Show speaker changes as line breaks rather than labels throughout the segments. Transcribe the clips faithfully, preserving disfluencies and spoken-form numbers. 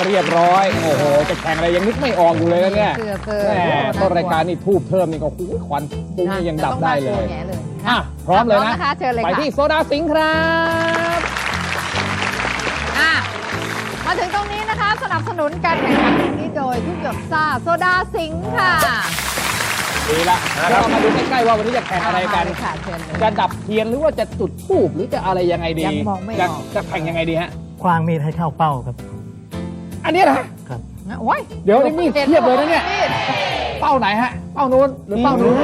เรียบร้อยโอ้โหจะแข่งอะไรยังนึกไม่ออกอยู่เลยนะเนี่ยแหมต้นรายการนี่ทูบเพิ่มนี่ก็คุ้ควันปุ้งนี่ยังดับได้เลยอ่ะพร้อมเลยนะไปที่โซดาสิงห์ครับ
อ่ะมาถึงตรงนี้นะคะสนับสนุนการแข่งขันนี้โดยทุกหยดซ่าโซดาสิงห์ค่ะ
ดีละเรามาดูใกล้ๆว่าวันนี้จะแข่งอะไรกันจะดับเทียนหรือว่าจะจุดธูปหรือจะอะไรยังไงดีจะจะแข่งยังไงดีฮะ
คว้างมีดให้เข้าเป้าครับ
อันนี้นะครับ
โอ้ย
เดี๋ยวนี่มีดเทียบเลยนะเนี่ยเป้าไหนฮะเป้านู้นหรือเป้านู้น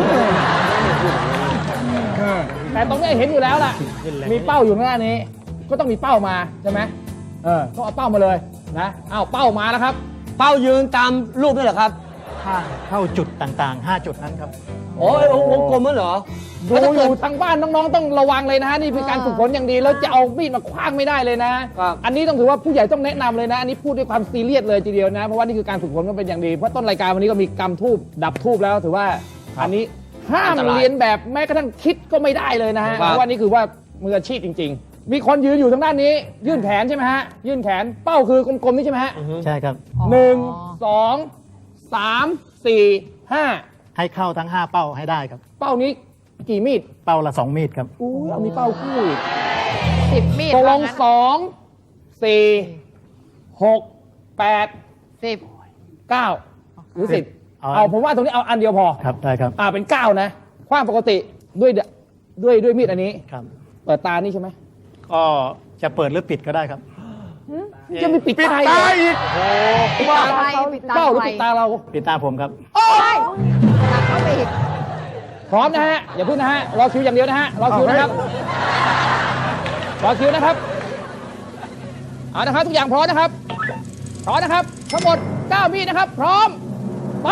แต่ตรงนี้เห็นอยู่แล้วล่ะมีเป้าอยู่หน้านี้ก็ต้องมีเป้ามาใช่ไหมเออต้องเอาเป้ามาเลยนะเอาเป้ามาแล้วครับ
เป้ายืนตามรูปนี่เหรอครับ
เข้าจุดต่างๆห้าจุดนั้นครับ
โอ้ยวงกลมนั่นเหรอ
ดูอยู่ทางบ้านน้องๆต้องระวังเลยนะฮะนี่เป็นการฝึกฝนอย่างดีแล้วจะเอามีดมาคว้างไม่ได้เลยนะอันนี้ต้องถือว่าผู้ใหญ่ต้องแนะนำเลยนะอันนี้พูดด้วยความซีเรียสเลยทีเดียวนะเพราะว่านี่คือการฝึกฝนก็เป็นอย่างดีเพราะต้นรายการวันนี้ก็มีกำทูบดับทูบแล้วถือว่าอันนี้ห้ามเรียนแบบแม้กระทั่งคิดก็ไม่ได้เลยนะฮะเพราะว่านี่คือว่ามืออาชีพจริงๆมีคนยืนอยู่ทางด้านนี้ยื่นแขนใช่ไหมฮะยื่นแขนเป้าคือกลมๆนี่ใช่ไหมฮะ
ใช่ครับ
หนึ่งสองสามสี่ห้า
ให้เข้าทั้งห้าเป้าให้ได้ครับ
เป้านี้กี่มีด
เป้าละสองมีดครับ
อู้เรามีเป้าคู่อีก
สิบมีด
ตกลงสองสี่หกแปด
สิบ
เก้าหรือสิบเอาผมว่าตรงนี้เอาอันเดียวพอ
ครับได้ครับ
อ่าเป็นเก้านะคว้างปกติด้วยด้วยด้วยมีดอันนี้
ครับ
เปิดตานี่ใช่ไหม
ก็จะเปิดหรือปิดก็ได้ครับ
จะมีปิดตาอีกโอ้
ว่า
เป้าหรือปิดตาเรา
ปิดตาผมครับ
โอ้ยเข้าไปอีก
พร้อมนะฮะอย่าพึ่งนะฮะรอคิวอย่างเดียวนะฮะรอคิวนะครับรอคิวนะครับเอานะครับทุกอย่างพร้อมนะครับพร้อมนะครับทั้งหมดเก้ามีดนะครับพร้อมไป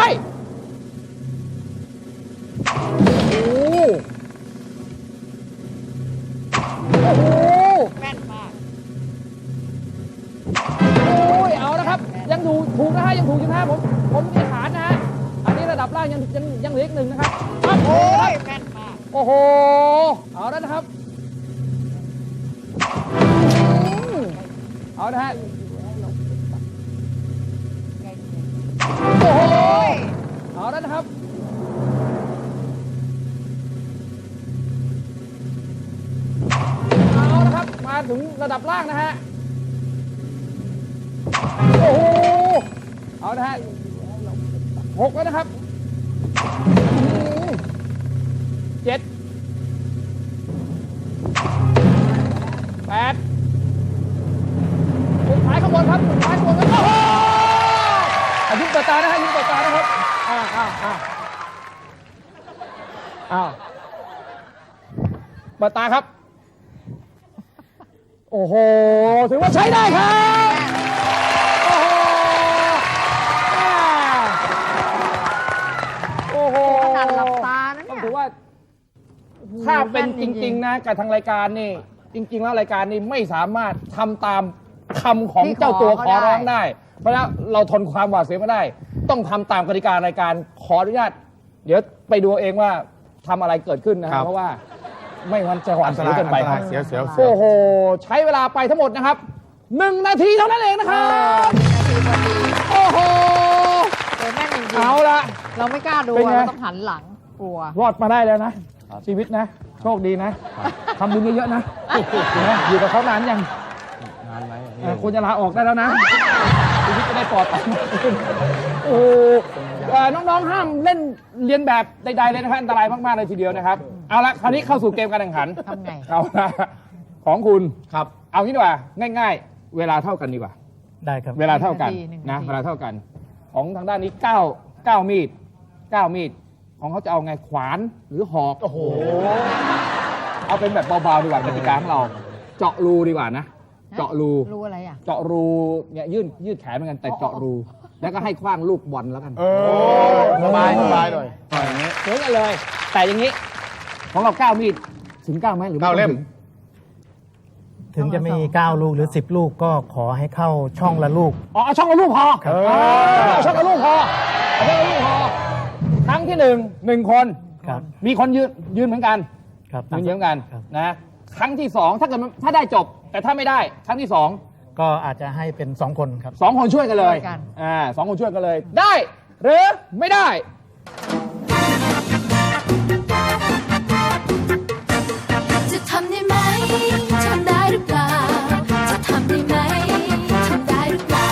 โอ้โหโอ้โห
แม่นมาก
โอ้ยเอานะครับยังดูถูกนะฮะยังถูกอยู่นะฮะผมผมมีฐานนะฮะอันนี้ระดับล่างยังยังยังเหลืออีกหนึ่งนะครับ
โอ้ยแม่นมาก
โอ้โหเอาแล้วนะครับเอานะฮะโอ้โหเอาแล้วนะครับเอานะครับมาถึงระดับล่างนะฮะโอ้โหเอานะฮะหกแล้วนะครับเจ็ดแปดสุดท้ายข้างบนครับสุดท้ายข้างบนครับโอ้โหยิ้มเปิดตานะฮะยิ้มเปิดตานะครับอ้าวอ้าวอ้าวอ้าวเปิดตาครับโอ้โหถือว่าใช้ได้ครับโอ้โหโอ้โห
ขนาดหลับตานะเนี่ย
ถือว่าถ้าเป็นจริงๆนะกับทางรายการนี่จริงๆแล้วรายการนี้ไม่สามารถทำตามคำของเจ้าตัวขอร้องได้เพราะฉะนั้นเราทนความหวาดเสียวไม่ได้ต้องทำตามกติการายการขออนุญาตเดี๋ยวไปดูเองว่าทำอะไรเกิดขึ้นนะครับเพราะว่าไม่งั้นจะหวาดเสียวเกินไปครับ
เสียวเสียว
โอ้โหใช้เวลาไปทั้งหมดนะครับหนึ่งนาทีเท่านั้นเองนะครับโอ้โห
แม่นจริงๆ
เอาละ
เราไม่กล้าดูเราต้องหันหลังกลัว
รอดมาได้แล้วนะชีวิตนะโชคดีนะทำบุญเยอะๆนะอยู่กับเขานานยังนานไหมควรจะลาออกได้แล้วนะชีวิตจะได้ปลอดภัยโอ้น้องๆห้ามเล่นเรียนแบบใดๆเลยนะครับอันตรายมากๆเลยทีเดียวนะครับเอาละคราวนี้เข้าสู่เกมการแข่งขัน
ทำไง
เอาละของคุณครับเอางี้ดีกว่าง่ายๆเวลาเท่ากันดีกว่า
ได้ครับ
เวลาเท่ากันนะเวลาเท่ากันของทางด้านนี้เก้าเก้ามีดเก้ามีดของเขาจะเอาไงขวานหรือหอกโอ้โหเอาเป็นแบบเบาๆดีกว่ากติกาของเราเจาะรูดีกว่านะเจาะรู
รูอะไรอ่ะ
เจาะรูเนี่ยยื่นยืดแขนเหมือนกันแต่เจาะรูแล้วก็ให้คว้างลูกบอลแล้วกัน
สบายสบายหน่อย
อย่างนี้เหมือนกันเลยแต่อย่างนี้ของเราเก้ามีดถึงเก้าไหมหรือ
เก้าเล่ม
ถึงจะมีเก้าลูกหรือสิบลูกก็ขอให้เข้าช่องละลูก
อ๋อเอาช่องละลูกพอเอาช่องละลูกพอเอาช่องละลูกพอครั้งที่หนึ่งหนึ่งคนมีคนยืนยืนเหมือนกันยืนเหมือนกันนะครั้งที่สองถ้าเกิดถ้าได้จบแต่ถ้าไม่ได้ครั้งที่สอง
ก็อาจจะให้เป็นสองคนครับ
สองคนช่วยกันเลย
ช่วยกัน
อ่าสองคนช่วยกันเลย ได้ หรือไม่ได้
จะทำได้ไหม ทำได้หรือเปล่า จะทำได้ไหม ทำได้หรือเปล่า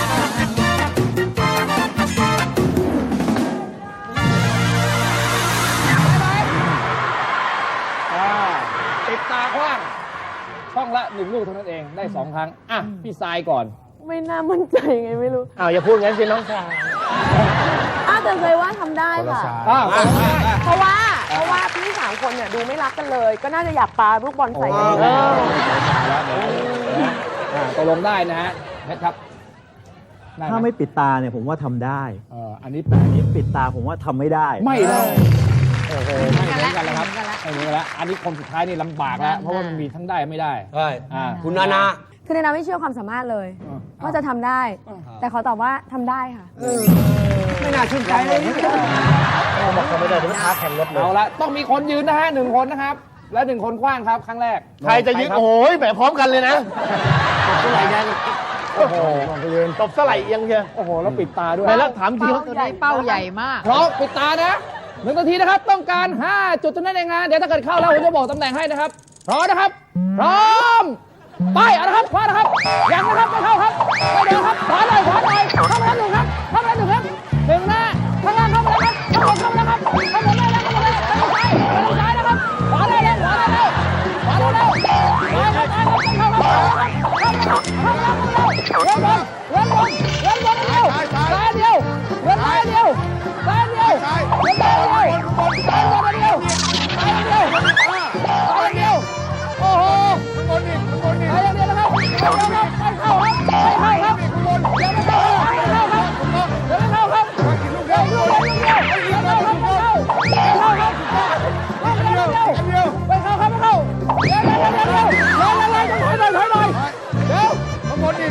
อ่าปิดตาขว้างช่องละหนึ่งลูกเท่านั้นเองได้สองครั้ง อ่ะ พี่ทรายก่อน
ไม่น่ามั่นใจไงไม่รู้
อ้าวอย่าพูดงั้นสิน้องชาย
อ้าวแต่เคยว่าทำได้ค่ะ
อ้าว
เพราะว่าเพราะว่าพี่สามคนเนี่ยดูไม่รักกันเลย ก็น่าจะอยากปาลูกบอลใส่กัน
เออแล้วเดี๋ยวนะอ่าตกลงได้นะฮะเพชรครับด้ห
ถ้าไม่ปิดตาเนี่ยผมว่าทำได้
เอออันนี้แปลก
อันนี้ปิดตาผมว่าทำไม่ได้
ไม่ได้ โอ้โหไม่เหมือนกันแล้วครับ
ไม่เหมือนกันละ
ไม่เหมือนกันแล้วอันนี้คนสุดท้ายนี่ลำบากแล้ว เพราะว่ามันมีทั้งได้ไม่ได้
ใช่
อ่า
คุณนานา
คือในนาไม่เชื่อความสามารถเลย
อ่า
ว่าจะทำได้ แต่ขอตอบว่าทำได้ค่ะ
ไม่น่าชื่นใจเลย
บอกเขาไม่ได้เดี๋ยวท้าแข่งรถเลย
เอาละต้องมีคนยืนนะฮะหนึ่งคนนะครับ และหนึ่งคนคว้างครับ ครั้งแรก
ใครจะยึด
ครับ
โอ้ยแหมพร้อมกันเลยนะ
เท่าไหร่ยังโอ้โห
ตบสไลด์เอียงเชียว
โอ้โหแล้วปิดตาด้วย
แต่แล้วถามจริง
เป้าตัวนี้เป้าใหญ่มาก
พร้อมปิดตานะหนึ่งนาทีนะครับ ต้องการ ห้า จุดเท่านั้นเองนะเดี๋ยวถ้าเกิดเข้าแล้วผมจะบอกตำแหน่งให้นะครับพร้อมนะครับ พร้อมไปเอาละครับคว้านะครับยังนะครับไม่เข้าครับไม่เดินครับขวาหน่อยขวาหน่อยเข้ามาแล้วหนึ่งครับเข้ามาแล้วหนึ่งครับหนึ่งหน้าข้างล่างเข้ามาแล้วครับเข้ามาเข้ามาแล้วครับเข้ามาได้แล้วเข้ามาได้แล้วเข้ามาซ้ายนะครับขวาได้แล้วขวาได้แล้วขวาได้แล้วขวาได้แล้วขวาได้แล้วเข้ามาเข้ามาเข้ามาเข้ามาเว้นบอลเว้นบอลเว้นบอลเดียวซ้ายเดียวเว้นซ้ายเดียวซ้ายเดียวเว้นซ้ายเดียวซ้ายเดียวซ้ายเดียวซ้ายเดียวซ้ายเดียวโอ้โหบอลนี่บอลนี่ซ้ายเดียวนะครับไม่เข้าครับไม่เข้าครับไม่เข้าครับยังไม่เข้าครับไม่เข้าครับยังไม่เข้าครับเดี๋ยวลูกเดียวลูกเดียวไม่เข้าครับไม่เข้าไม่เข้าครับลูกเดียวลูกเดียวไม่เข้าครับไม่เข้าเดี๋ยวเดี๋ยวเดี๋ยวเดี๋ยวเดี๋ยวเดี๋ยวถอยหน่อยถอยหน่อยถอยหน่อยเดี๋ยวบอลนี่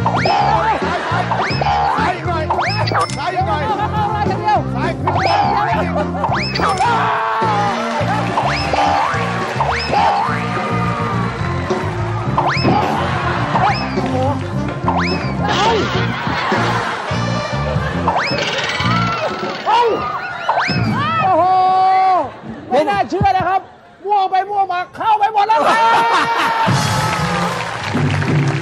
ซ้ายอีกหน่อยซ้ายอีกหน่อยเข้าเข้าเข้าเดียวซ้ายขึ้นบอลเข้าโอ้โหไม่น่าเชื่อนะครับมั่วไปมั่วมาเข้าไปหมดแล้วครับ